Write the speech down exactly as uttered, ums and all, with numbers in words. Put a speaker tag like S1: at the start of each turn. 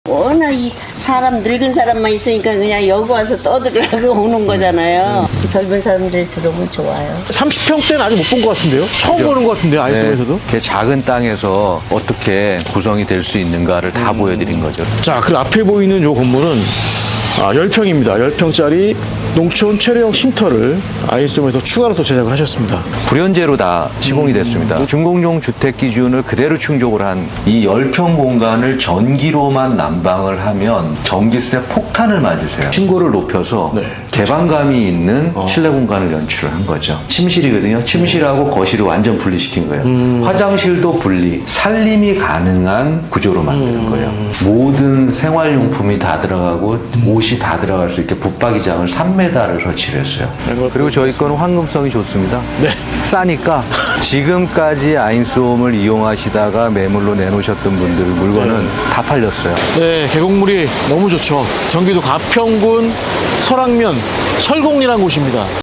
S1: 워낙 이 사람 늙은 사람만 있으니까 그냥 여기 와서 떠들으라고 오는 거잖아요.
S2: 음.
S1: 젊은 사람들이 들어오면 좋아요.
S2: 삼십 평대는 아직 못 본 것 같은데요? 처음
S3: 그죠?
S2: 보는 것 같은데요, 아이스홈에서도?
S3: 네, 그 작은 땅에서 어떻게 구성이 될 수 있는가를 다 보여드린 거죠.
S2: 자, 그 앞에 보이는 요 건물은 아, 십 평입니다. 십 평짜리 농촌 체류형 쉼터를 아이스홈에서 추가로 또 제작을 하셨습니다.
S3: 불연제로 다 시공이 됐습니다. 준공용 주택 기준을 그대로 충족을 한 이 십 평 공간을 전기로만 난방을 하면 전기세 폭탄을 맞으세요. 층고를 높여서
S2: 네.
S3: 개방감이 있는 실내 공간을 연출을 한 거죠. 침실이거든요. 침실하고 거실을 완전 분리시킨 거예요. 화장실도 분리, 살림이 가능한 구조로 만드는 거예요. 모든 생활용품이 다 들어가고 옷이 다 들어갈 수 있게 붙박이장을 삼 미터를 설치를 했어요. 그리고 저희 거는 황금성이 좋습니다.
S2: 네.
S3: 싸니까 지금까지 아인스홈을 이용하시다가 매물로 내놓으셨던 분들 물건은 다 팔렸어요.
S2: 네, 계곡물이 너무 좋죠. 경기도 가평군 설악면 설곡리라는 곳입니다.